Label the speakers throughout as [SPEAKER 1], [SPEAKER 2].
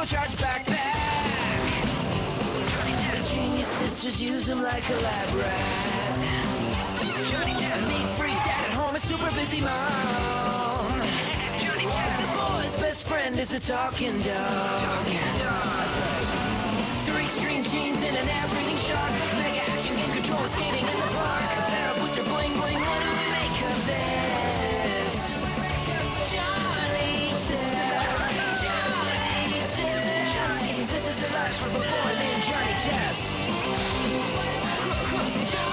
[SPEAKER 1] turbocharged backpack. The genius sisters use him like a lab rat. And meat freak dad at home, a super busy mom. The boy's best friend is a talking dog. Three extreme genes in an air-breathing shark. Mega action game control skating in the park. A Pharaoh booster bling bling. What do we make of this? Johnny Test. Johnny Test. This is the life of a boy named Johnny Test. Johnny Test.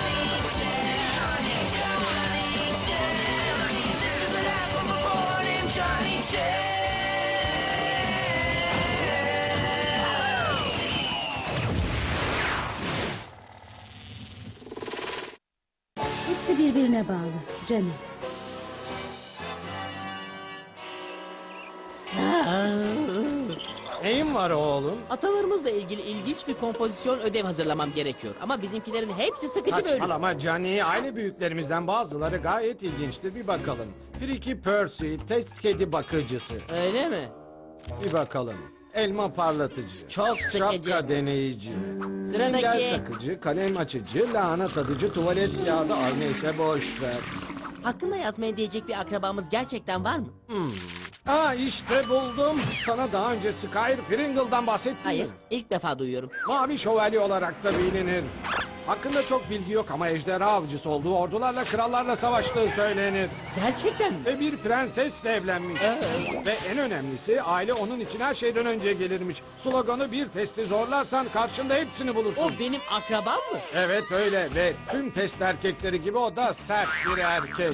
[SPEAKER 1] Johnny Test. This is the life of a boy named Johnny Test.
[SPEAKER 2] Hepsi birbirine bağlı. Canım.
[SPEAKER 3] Neyin var oğlum?
[SPEAKER 4] Atalarımızla ilgili ilginç bir kompozisyon ödev hazırlamam gerekiyor. Ama bizimkilerin hepsi sıkıcı böyle.
[SPEAKER 3] Saçmalama Johnny. Aile büyüklerimizden bazıları gayet ilginçtir. Bir bakalım. Friki Percy, test kedi bakıcısı.
[SPEAKER 4] Öyle mi?
[SPEAKER 3] Bir bakalım. Elma parlatıcı.
[SPEAKER 4] Çok sıkıcı.
[SPEAKER 3] Şapka deneyici.
[SPEAKER 4] Sıradaki.
[SPEAKER 3] Sünger takıcı, kalem açıcı, lahana tadıcı, tuvalet kağıdı. Ay neyse boş ver.
[SPEAKER 4] Hakkında yazmaya diyecek bir akrabamız gerçekten var mı?
[SPEAKER 3] İşte buldum. Sana daha önce Skyr Pringle'dan bahsettim
[SPEAKER 4] Hayır,
[SPEAKER 3] mi?
[SPEAKER 4] ilk defa duyuyorum.
[SPEAKER 3] Mavi şövalye olarak da bilinir. Hakkında çok bilgi yok ama ejderha avcısı olduğu, ordularla krallarla savaştığı söylenir.
[SPEAKER 4] Gerçekten mi?
[SPEAKER 3] Ve bir prensesle evlenmiş. Ve en önemlisi aile onun için her şeyden önce gelirmiş. Sloganı bir testi zorlarsan karşında hepsini bulursun.
[SPEAKER 4] O benim akrabam mı?
[SPEAKER 3] Evet öyle ve tüm test erkekleri gibi o da sert bir erkek.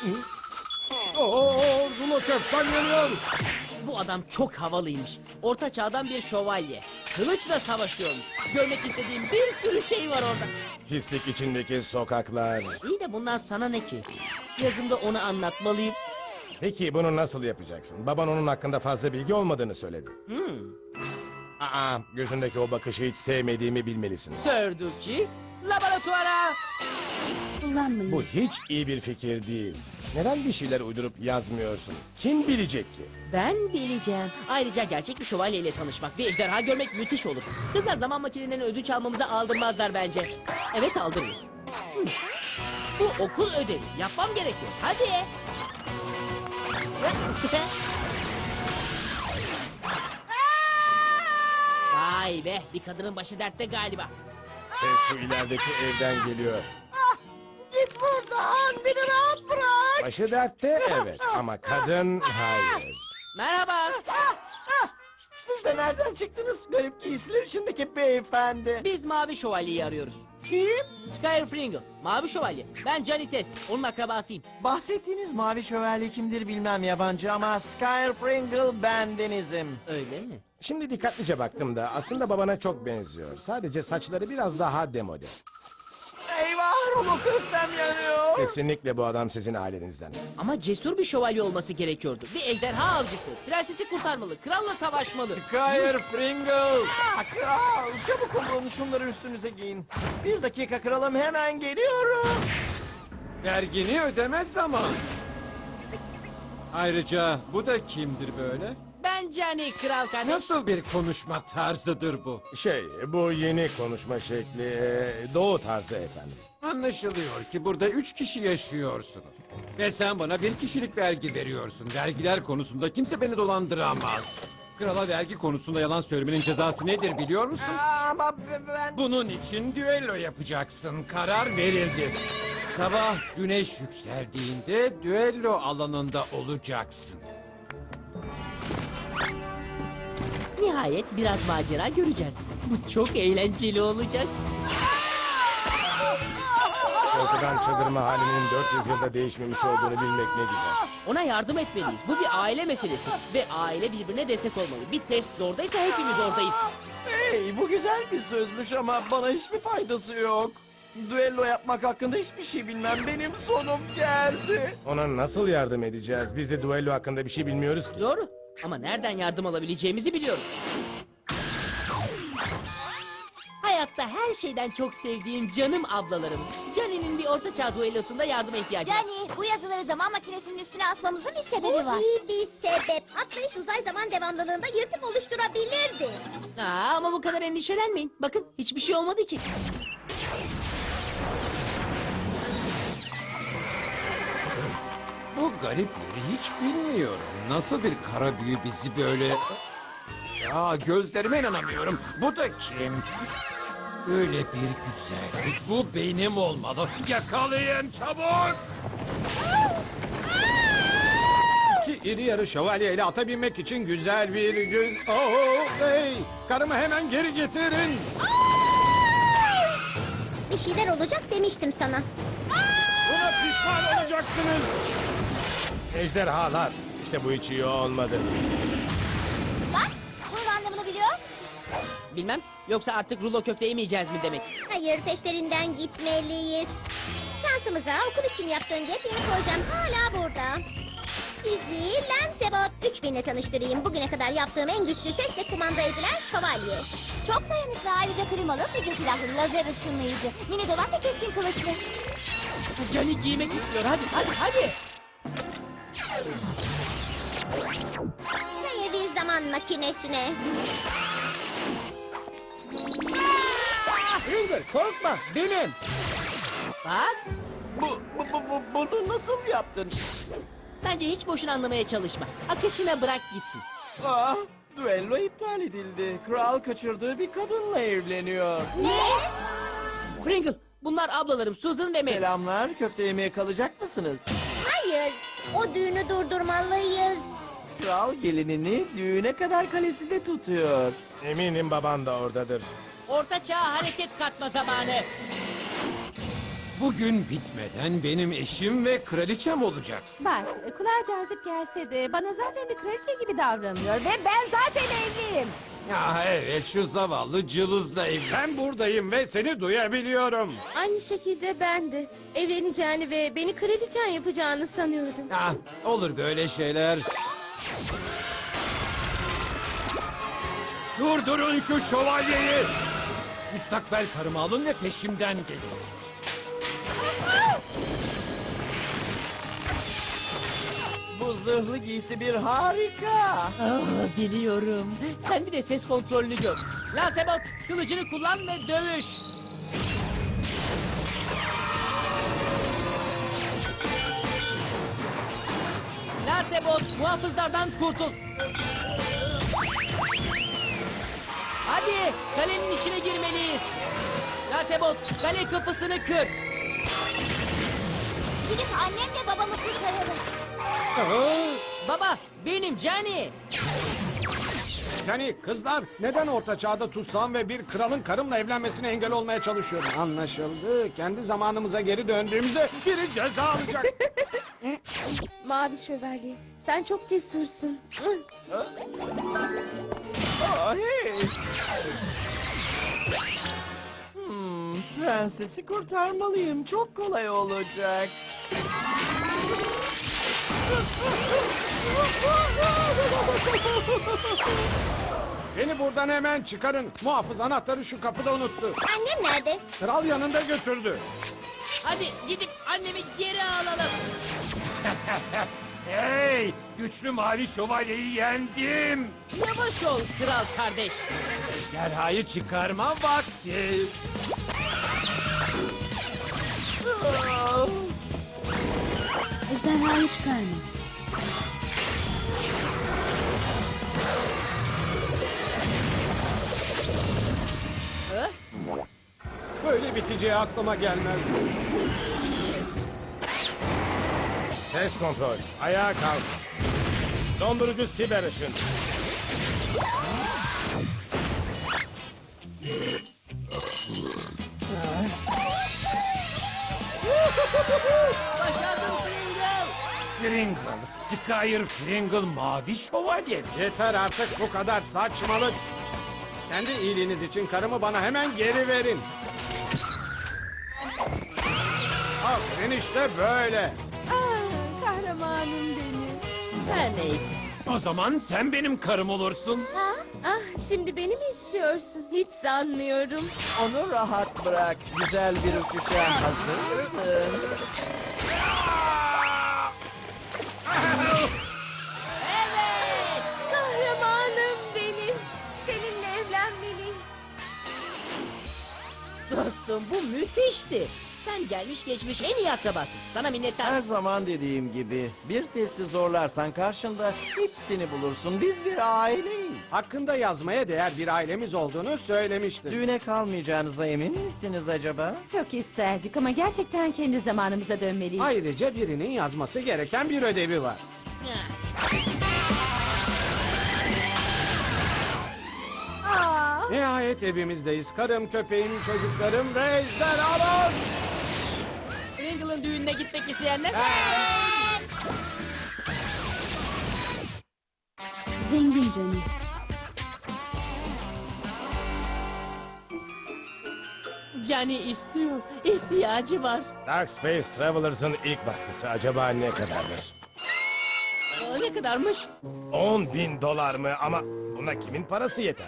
[SPEAKER 3] Rulo köften yanıyor.
[SPEAKER 4] Bu adam çok havalıymış. Orta çağdan bir şövalye. Kılıçla savaşıyormuş. Görmek istediğim bir sürü şey var orada.
[SPEAKER 5] Pislik içindeki sokaklar.
[SPEAKER 4] İyi de bundan sana ne ki? Yazımda onu anlatmalıyım.
[SPEAKER 5] Peki bunu nasıl yapacaksın? Baban onun hakkında fazla bilgi olmadığını söyledi. Gözündeki o bakışı hiç sevmediğimi bilmelisin.
[SPEAKER 4] Sördükçi, laboratuvara.
[SPEAKER 2] Kullanmayın.
[SPEAKER 5] Bu hiç iyi bir fikir değil. Neden bir şeyler uydurup yazmıyorsun? Kim bilecek ki?
[SPEAKER 4] Ben bileceğim. Ayrıca gerçek bir şövalyeyle tanışmak, bir ejderha görmek müthiş olur. Kızlar zaman makinelerinden ödünç almamıza aldırmazlar bence. Evet aldırırız. Bu okul ödevi. Yapmam gerekiyor. Hadi. Vay be, bir kadının başı dertte galiba.
[SPEAKER 5] Ses şu ilerideki evden geliyor.
[SPEAKER 6] Git buradan, beni rahat bırak.
[SPEAKER 5] Başı dertte evet ama kadın hayır.
[SPEAKER 4] Merhaba.
[SPEAKER 6] Siz de nereden çıktınız? Garip giysiler içindeki beyefendi.
[SPEAKER 4] Biz Mavi Şövalye'yi arıyoruz.
[SPEAKER 6] Kim?
[SPEAKER 4] Skyr Pringle, Mavi Şövalye. Ben Johnny Test, onun akrabasıyım.
[SPEAKER 6] Bahsettiğiniz mavi şövalye kimdir bilmem yabancı ama Skyr Pringle bendenizim.
[SPEAKER 4] Öyle mi?
[SPEAKER 5] Şimdi dikkatlice baktım da aslında babana çok benziyor. Sadece saçları biraz daha demode.
[SPEAKER 6] Eyvah, rulo köftem yanıyor.
[SPEAKER 5] Kesinlikle bu adam sizin ailenizden.
[SPEAKER 4] Ama cesur bir şövalye olması gerekiyordu. Bir ejderha avcısı. Prensesi kurtarmalı, kralla savaşmalı.
[SPEAKER 6] Skyr Pringle. Kral, çabuk olun şunları üstünüze giyin. Bir dakika kralım, hemen geliyorum.
[SPEAKER 3] Vergini ödeme zaman. Ayrıca bu da kimdir böyle?
[SPEAKER 4] Ben Johnny, kral kardeş.
[SPEAKER 3] Nasıl bir konuşma tarzıdır bu?
[SPEAKER 5] Bu yeni konuşma şekli doğu tarzı efendim.
[SPEAKER 3] Anlaşılıyor ki burada 3 kişi yaşıyorsunuz. Ve sen bana 1 kişilik vergi veriyorsun. Vergiler konusunda kimse beni dolandıramaz. Krala vergi konusunda yalan söylemenin cezası nedir biliyor musun?
[SPEAKER 6] Ama ben...
[SPEAKER 3] Bunun için düello yapacaksın. Karar verildi. Sabah güneş yükseldiğinde düello alanında olacaksın.
[SPEAKER 4] Nihayet biraz macera göreceğiz. Bu çok eğlenceli olacak.
[SPEAKER 5] Korkudan çıldırma halinin 400 yılda değişmemiş olduğunu bilmek ne güzel.
[SPEAKER 4] Ona yardım etmeliyiz. Bu bir aile meselesi. Ve aile birbirine destek olmalı. Bir test oradaysa hepimiz oradayız.
[SPEAKER 6] Hey, bu güzel bir sözmüş ama bana hiçbir faydası yok. Düello yapmak hakkında hiçbir şey bilmem. Benim sonum geldi.
[SPEAKER 5] Ona nasıl yardım edeceğiz? Biz de duello hakkında bir şey bilmiyoruz ki.
[SPEAKER 4] Doğru. Ama nereden yardım alabileceğimizi biliyorum. Hay hayatta her şeyden çok sevdiğim canım ablalarım. Johnny'nin bir ortaçağ düellosunda yardıma ihtiyacı var.
[SPEAKER 7] Yani bu yazıları zaman makinesinin üstüne asmamızın bir sebebi var.
[SPEAKER 8] Bu iyi bir sebep. Atlayış uzay zaman devamlılığında yırtık oluşturabilirdi.
[SPEAKER 4] Ama bu kadar endişelenmeyin. Bakın hiçbir şey olmadı ki.
[SPEAKER 3] Bu garip yeri hiç bilmiyorum. Nasıl bir kara büyü bizi böyle... Ya gözlerime inanamıyorum. Bu da kim? Öyle bir güzellik. Bu benim olmalı. Yakalayın çabuk.
[SPEAKER 9] İki iri yarı şövalye ile ata binmek için güzel bir gün. Oh, hey! Karımı hemen geri getirin.
[SPEAKER 8] Bir şeyler olacak demiştim sana.
[SPEAKER 9] Buna pişman olacaksınız. Ejderhalar. İşte bu hiç iyi olmadı.
[SPEAKER 7] Bak, bunun anlamını biliyor musun?
[SPEAKER 4] Bilmem. Yoksa artık rulo köfte yemeyeceğiz mi demek?
[SPEAKER 8] Hayır, peşlerinden gitmeliyiz. Şansımıza okul için yaptığım yepyeni projem hala burada. Sizi Lancebot 3000 ile tanıştırayım. Bugüne kadar yaptığım en güçlü sesle kumanda edilen şövalye.
[SPEAKER 7] Çok dayanıklı, ayrıca klimalı, füze silahlı, lazer ışınlayıcı, mini dolap ve keskin kılıçlı.
[SPEAKER 4] Johnny giymek istiyor. Hadi.
[SPEAKER 8] Sayevi zaman makinesine.
[SPEAKER 4] Ringer korkma benim. Bak.
[SPEAKER 6] Bunu nasıl yaptın?
[SPEAKER 4] Bence hiç boşuna anlamaya çalışma. Akışına bırak gitsin.
[SPEAKER 6] Ah, düello iptal edildi. Kral kaçırdığı bir kadınla evleniyor.
[SPEAKER 4] Pringle, bunlar ablalarım Susan ve Mary.
[SPEAKER 6] Selamlar, köfte yemeye kalacak mısınız?
[SPEAKER 8] Hayır, o düğünü durdurmalıyız.
[SPEAKER 6] Kral gelinini düğüne kadar kalesinde tutuyor.
[SPEAKER 5] Eminim baban da oradadır.
[SPEAKER 4] Orta çağ hareket katma zamanı.
[SPEAKER 3] Bugün bitmeden benim eşim ve kraliçem olacaksın.
[SPEAKER 2] Bak, kulağa cazip gelse de bana zaten bir kraliçe gibi davranıyor ve ben zaten evliyim.
[SPEAKER 3] Ya evet, şu zavallı cılızla evlisin.
[SPEAKER 9] Ben buradayım ve seni duyabiliyorum.
[SPEAKER 2] Aynı şekilde ben de evleneceğini ve beni kraliçen yapacağını sanıyordum.
[SPEAKER 3] Ah, olur böyle şeyler. Durdurun şu şövalyeyi. Müstakbel karımı alın ve peşimden gelin.
[SPEAKER 6] Bu zırhlı giysi bir harika.
[SPEAKER 4] Biliyorum. Sen bir de ses kontrolünü gör. Lancebot, kılıcını kullan ve dövüş. Lancebot, muhafızlardan kurtul. Hadi, kalenin içine girmeliyiz. Lancebot, kale kapısını kır.
[SPEAKER 7] Gidip annemle babamı kurtaralım.
[SPEAKER 4] Baba, benim Johnny.
[SPEAKER 9] Yani kızlar neden orta çağda tutsam ve bir kralın karımla evlenmesine engel olmaya çalışıyorum? Anlaşıldı. Kendi zamanımıza geri döndüğümüzde biri ceza alacak.
[SPEAKER 2] Mavi şövalye, sen çok cesursun.
[SPEAKER 6] Ah, hey. Prensesi kurtarmalıyım. Çok kolay olacak.
[SPEAKER 9] Beni buradan hemen çıkarın. Muhafız anahtarı şu kapıda unuttu.
[SPEAKER 8] Annem nerede?
[SPEAKER 9] Kral yanında götürdü.
[SPEAKER 4] Hadi gidip annemi geri alalım.
[SPEAKER 3] Hey, güçlü mavi şövalyeyi yendim.
[SPEAKER 4] Yavaş ol kral kardeş.
[SPEAKER 3] Ejderhayı çıkarma vakti.
[SPEAKER 6] Ah,
[SPEAKER 2] Ejderhayı çıkarma.
[SPEAKER 9] Böyle biteceği aklıma gelmez.
[SPEAKER 5] Ses kontrol. Ayağa kalk. Dondurucu siber ışın.
[SPEAKER 4] Başardım Pringle.
[SPEAKER 3] Pringle, Skyr Pringle mavi şövalye mi?
[SPEAKER 9] Yeter artık bu kadar saçmalık. Kendi iyiliğiniz için karımı bana hemen geri verin. Aferin işte böyle.
[SPEAKER 2] Kahramanım benim.
[SPEAKER 4] Her neyse.
[SPEAKER 3] O zaman sen benim karım olursun.
[SPEAKER 7] Ha?
[SPEAKER 2] Ah, şimdi beni mi istiyorsun? Hiç sanmıyorum.
[SPEAKER 6] Onu rahat bırak. Güzel bir uçuşa hazır mısın?
[SPEAKER 2] Evet! Kahramanım benim. Seninle evlenmeliyim.
[SPEAKER 4] Dostum bu müthişti. Sen gelmiş geçmiş en iyi akrabasın. Sana
[SPEAKER 6] Her
[SPEAKER 4] minnettarız.
[SPEAKER 6] zaman dediğim gibi bir testi zorlarsan karşında hepsini bulursun. Biz bir aileyiz.
[SPEAKER 9] Hakkında yazmaya değer bir ailemiz olduğunu söylemiştin.
[SPEAKER 6] Düğüne kalmayacağınıza emin misiniz acaba?
[SPEAKER 2] Çok isterdik ama gerçekten kendi zamanımıza dönmeliyiz.
[SPEAKER 9] Ayrıca birinin yazması gereken bir ödevi var.
[SPEAKER 2] Aa,
[SPEAKER 9] Nihayet evimizdeyiz. Karım, köpeğim, çocuklarım ve ejderhalar.
[SPEAKER 4] Ringle'ın düğününe gitmek isteyenler?
[SPEAKER 2] zengin canım.
[SPEAKER 4] Johnny istiyor. İhtiyacı var.
[SPEAKER 5] Dark Space Travelers'ın ilk baskısı acaba ne kadardır?
[SPEAKER 4] Ne kadarmış?
[SPEAKER 5] 10.000 dolar mı? Ama buna kimin parası yeter?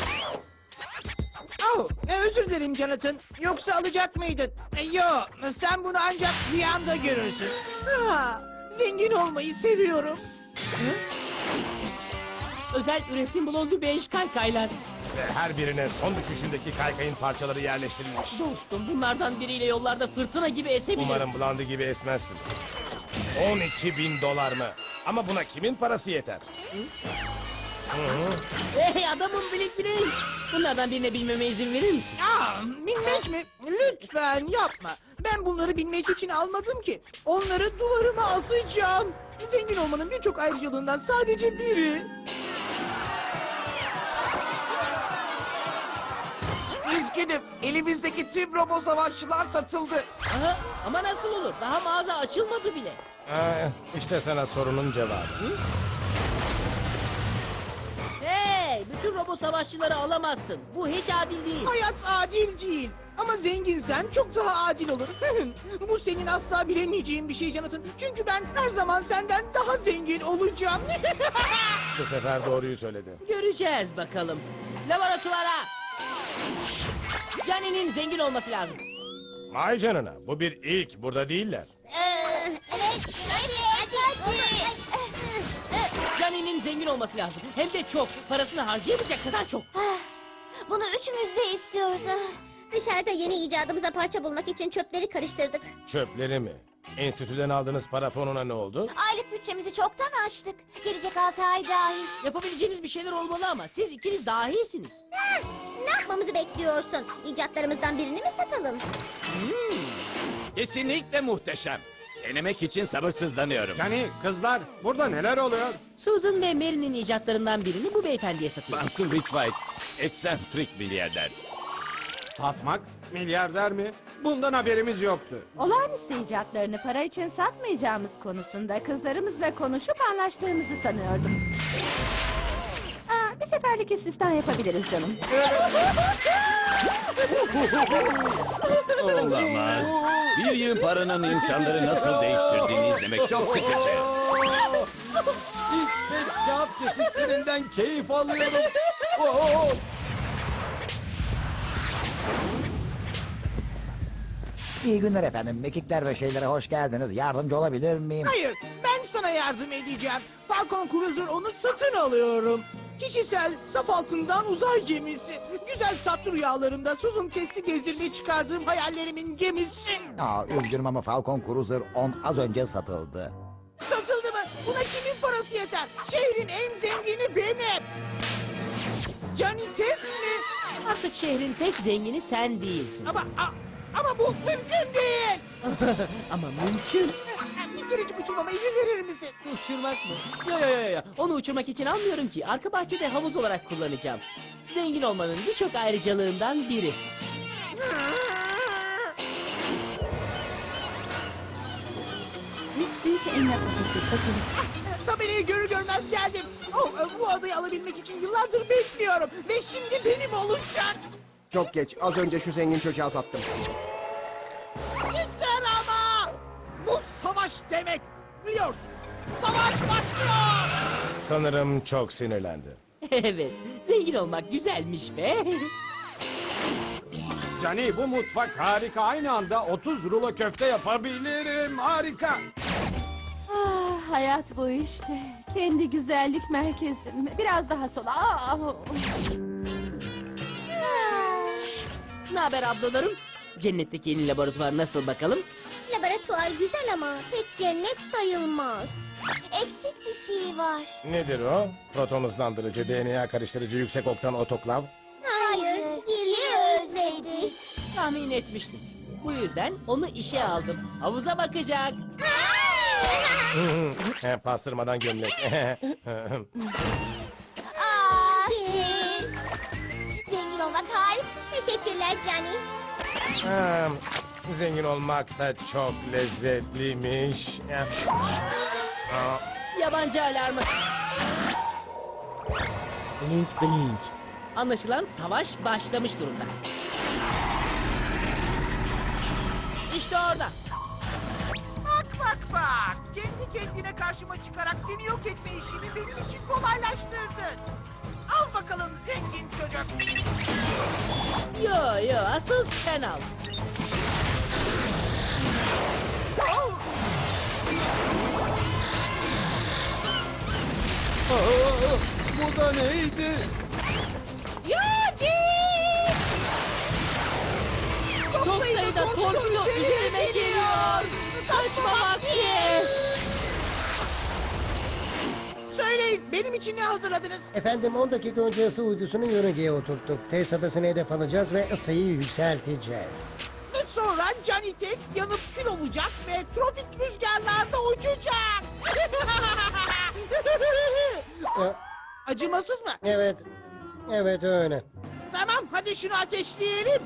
[SPEAKER 10] Oh, özür dilerim Jonathan. Yoksa alacak mıydın? Yo, sen bunu ancak rüyanda görürsün. Ha, zengin olmayı seviyorum.
[SPEAKER 4] Özel üretim blondu beş kaykaylar.
[SPEAKER 5] Ve her birine son düşüşündeki kaykayın parçaları yerleştirilmiş.
[SPEAKER 4] Dostum bunlardan biriyle yollarda fırtına gibi esebilirim.
[SPEAKER 5] Umarım Blondie gibi esmezsin. 12.000 dolar mı? Ama buna kimin parası yeter?
[SPEAKER 4] Hey adamım bilik bilik. Bunlardan birine bilmeme izin verir misin?
[SPEAKER 10] Aa, bilmek mi? Lütfen yapma. Ben bunları bilmek için almadım ki. Onları duvarıma asacağım. Zengin olmanın birçok ayrıcalığından sadece biri. Üzgünüm. Elimizdeki tüm robo savaşçılar satıldı.
[SPEAKER 4] Aha, ama nasıl olur? Daha mağaza açılmadı bile.
[SPEAKER 5] İşte sana sorunun cevabı.
[SPEAKER 4] Hey, bütün robo savaşçıları alamazsın. Bu hiç adil değil.
[SPEAKER 10] Hayat adil değil. Ama zenginsen çok daha adil olur. Bu senin asla bilemeyeceğin bir şey Jonathan. Çünkü ben her zaman senden daha zengin olacağım.
[SPEAKER 5] Bu sefer doğruyu söyledi.
[SPEAKER 4] Göreceğiz bakalım. Laboratuvara. Johnny'nin zengin olması lazım.
[SPEAKER 5] Vay canına, bu bir ilk, burada değiller.
[SPEAKER 8] Evet. Hadi.
[SPEAKER 4] Johnny'nin zengin olması lazım. Hem de çok. Parasını harcayamayacak kadar çok.
[SPEAKER 8] Bunu üçümüz de istiyoruz. Dışarıda yeni icadımıza parça bulmak için çöpleri karıştırdık.
[SPEAKER 5] Çöpleri mi? Enstitüden aldığınız para fonuna ne oldu?
[SPEAKER 8] Aylık bütçemizi çoktan aştık. Gelecek 6 ay dahil.
[SPEAKER 4] Yapabileceğiniz bir şeyler olmalı ama siz ikiniz dahiyisiniz.
[SPEAKER 8] Ne yapmamızı bekliyorsun? İcatlarımızdan birini mi satalım?
[SPEAKER 11] Kesinlikle muhteşem. Denemek için sabırsızlanıyorum.
[SPEAKER 9] Johnny, kızlar, burada neler oluyor?
[SPEAKER 4] Susan ve Mary'nin icatlarından birini bu beyefendiye satıyoruz.
[SPEAKER 11] Bunsen Richwhite, eksentrik milyarder.
[SPEAKER 9] Satmak? Milyarder mi? Bundan haberimiz yoktu.
[SPEAKER 2] Olağanüstü icatlarını para için satmayacağımız konusunda kızlarımızla konuşup anlaştığımızı sanıyordum. Aa, bir seferlik istisna yapabiliriz canım.
[SPEAKER 11] Olamaz. Bir yığın paranın insanları nasıl değiştirdiğini izlemek çok sıkıcı.
[SPEAKER 3] İlk beş kağıt kesiklerinden keyif alıyorum. Oo!
[SPEAKER 12] İyi günler efendim. Mekikler ve şeylere hoş geldiniz. Yardımcı olabilir miyim?
[SPEAKER 10] Hayır, ben sana yardım edeceğim. Falcon Cruiser onu satın alıyorum. Kişisel, saf altından uzay gemisi. Güzel tatlı rüyalarımda Susan testi gezdirmeye çıkardığım hayallerimin gemisi.
[SPEAKER 12] Aa, üzgünüm ama Falcon Cruiser 10 az önce satıldı.
[SPEAKER 10] Satıldı mı? Buna kimin parası yeter? Şehrin en zengini benim. Johnny Test mi?
[SPEAKER 4] Artık şehrin tek zengini sen değilsin.
[SPEAKER 10] Ama bu mümkün değil.
[SPEAKER 4] Ama mümkün.
[SPEAKER 10] Bir kerecik uçurmama izin verir misin?
[SPEAKER 4] Uçurmak mı? Yo. Onu uçurmak için almıyorum ki. Arka bahçede havuz olarak kullanacağım. Zengin olmanın birçok ayrıcalığından biri.
[SPEAKER 2] Üç büyük elma kafesi satılık.
[SPEAKER 10] Tabelayı görür görmez geldim. Bu adayı alabilmek için yıllardır bekliyorum. Ve şimdi benim olacak.
[SPEAKER 13] Çok geç. Az önce şu zengin çocuğa sattım.
[SPEAKER 10] Yeter ama! Bu savaş demek. Biliyorsun. Savaş başlıyor.
[SPEAKER 5] Sanırım çok sinirlendi.
[SPEAKER 4] Evet. Zengin olmak güzelmiş be.
[SPEAKER 9] Cani bu mutfak harika. Aynı anda 30 rulo köfte yapabilirim. Harika.
[SPEAKER 2] Ah, hayat bu işte. Kendi güzellik merkezim. Biraz daha sola.
[SPEAKER 4] Ne haber ablalarım? Cennetteki yeni laboratuvar nasıl bakalım?
[SPEAKER 8] Laboratuvar güzel ama pek cennet sayılmaz. Eksik bir şey var.
[SPEAKER 5] Nedir o? Proton hızlandırıcı, DNA karıştırıcı, yüksek oktan otoklav.
[SPEAKER 8] Hayır, Gil'i özledi.
[SPEAKER 4] Tahmin etmiştim. Bu yüzden onu işe aldım. Havuza bakacak.
[SPEAKER 5] Pastırmadan gömlek.
[SPEAKER 8] Aa, Gil. Zengin olmak harika. Teşekkürler Cani.
[SPEAKER 5] Zengin olmak da çok lezzetliymiş.
[SPEAKER 4] Yabancı alarmı. Blink blink. Anlaşılan savaş başlamış durumda. İşte orada.
[SPEAKER 10] Bak. Kendi kendine karşıma çıkarak seni yok etme işini benim için kolaylaştırdın. Al bakalım zengin çocuk.
[SPEAKER 4] Yo asıl sen al.
[SPEAKER 6] Bu da neydi?
[SPEAKER 4] Çok sayıda torpido üzerime geliyor. Kaçma vakti.
[SPEAKER 10] Söyleyin benim için ne hazırladınız?
[SPEAKER 14] Efendim 10 dakika önce ısı uydusunu yörüngeye oturttuk. Test adasını hedef alacağız ve ısıyı yükselteceğiz.
[SPEAKER 10] Ve sonra Cani test yanıp kül olacak ve tropik rüzgarlarda uçacak. Acımasız mı?
[SPEAKER 14] Evet öyle.
[SPEAKER 10] Tamam hadi şunu ateşleyelim.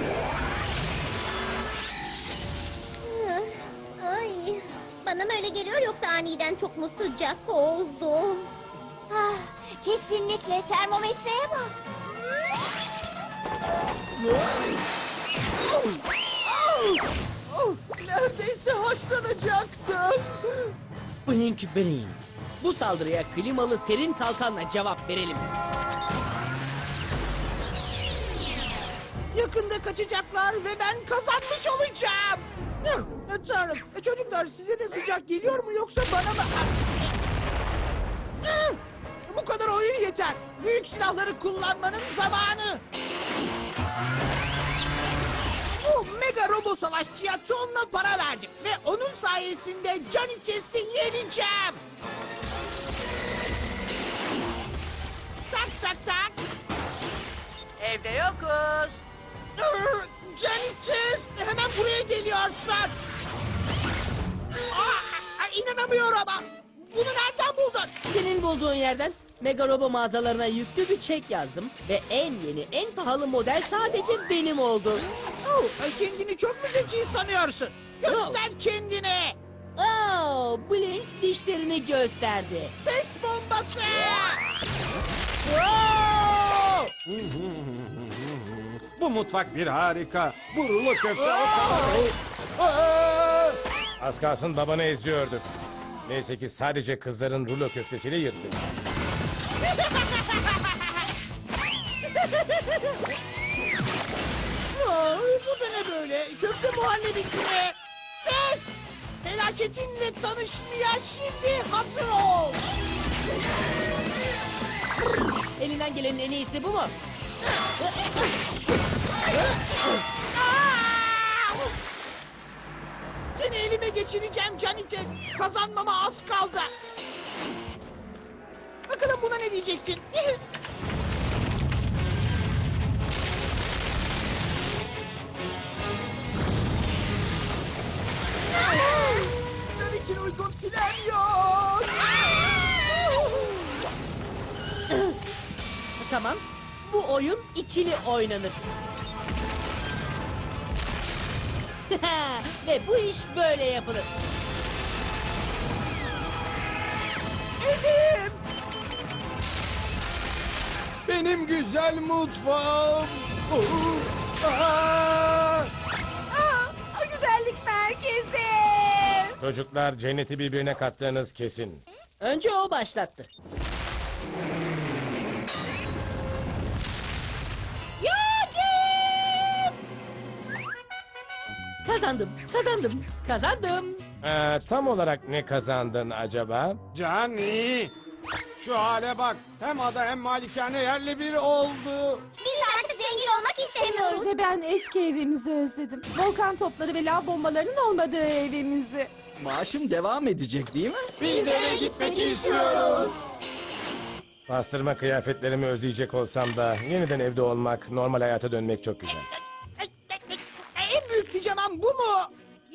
[SPEAKER 8] Ay, bana mı öyle geliyor yoksa aniden çok mu sıcak oldu? Ah, kesinlikle termometreye bak.
[SPEAKER 10] Neredeyse haşlanacaktım.
[SPEAKER 4] Blink blink. Bu saldırıya klimalı serin kalkanla cevap verelim.
[SPEAKER 10] Yakında kaçacaklar ve ben kazanmış olacağım. Tanrım, çocuklar size de sıcak geliyor mu yoksa bana mı? Bu kadar oyun yeter. Büyük silahları kullanmanın zamanı. Bu mega robo savaşçıya tonla para verdim. Ve onun sayesinde Johnny Chest'i yeneceğim. Tak.
[SPEAKER 4] Evde yokuz.
[SPEAKER 10] Johnny Chest hemen buraya geliyorsun. İnanamıyorum ama. Bunu nereden buldun?
[SPEAKER 4] Senin bulduğun yerden Mega Robo mağazalarına yüklü bir çek yazdım ve en yeni, en pahalı model sadece benim oldu.
[SPEAKER 10] Kendini çok mu zeki sanıyorsun? Göster kendini.
[SPEAKER 4] Blink dişlerini gösterdi.
[SPEAKER 10] Ses bombası.
[SPEAKER 9] Bu mutfak bir harika. Bu rulo köfte...
[SPEAKER 5] Az kalsın babanı eziyorduk. Neyse ki sadece kızların rulo köftesiyle yırttık.
[SPEAKER 10] Bu da ne böyle? Köfte muhallebisi mi? Test! Felaketinle tanışmaya şimdi hazır ol.
[SPEAKER 4] Elinden gelenin en iyisi bu mu?
[SPEAKER 10] Seni elime geçireceğim Johnny Test. Kazanmama az kaldı. Bakalım buna ne diyeceksin? Benim için uygun plan yok.
[SPEAKER 4] Tamam. Bu oyun ikili oynanır. Ve bu iş böyle yapılır.
[SPEAKER 10] Evim.
[SPEAKER 6] Benim güzel mutfağım.
[SPEAKER 2] O güzellik merkezi.
[SPEAKER 5] Çocuklar cenneti birbirine kattığınız kesin.
[SPEAKER 4] Önce o başlattı. Kazandım.
[SPEAKER 5] Tam olarak ne kazandın acaba?
[SPEAKER 9] Cani! Şu hale bak. Hem ada hem malikane yerle bir oldu.
[SPEAKER 7] Biz artık zengin olmak istemiyoruz.
[SPEAKER 2] Ve ben eski evimizi özledim. Volkan topları ve lav bombalarının olmadığı evimizi.
[SPEAKER 6] Maaşım devam edecek değil mi?
[SPEAKER 10] Biz eve gitmek istiyoruz.
[SPEAKER 5] Pastırma kıyafetlerimi özleyecek olsam da yeniden evde olmak, normal hayata dönmek çok güzel.
[SPEAKER 10] En büyük pijamam bu mu?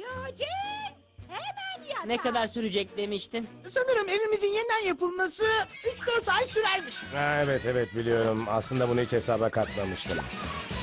[SPEAKER 4] Ne kadar sürecek demiştin?
[SPEAKER 10] Sanırım evimizin yeniden yapılması 3-4 ay sürermiş.
[SPEAKER 5] Evet biliyorum. Aslında bunu hiç hesaba katmamıştım.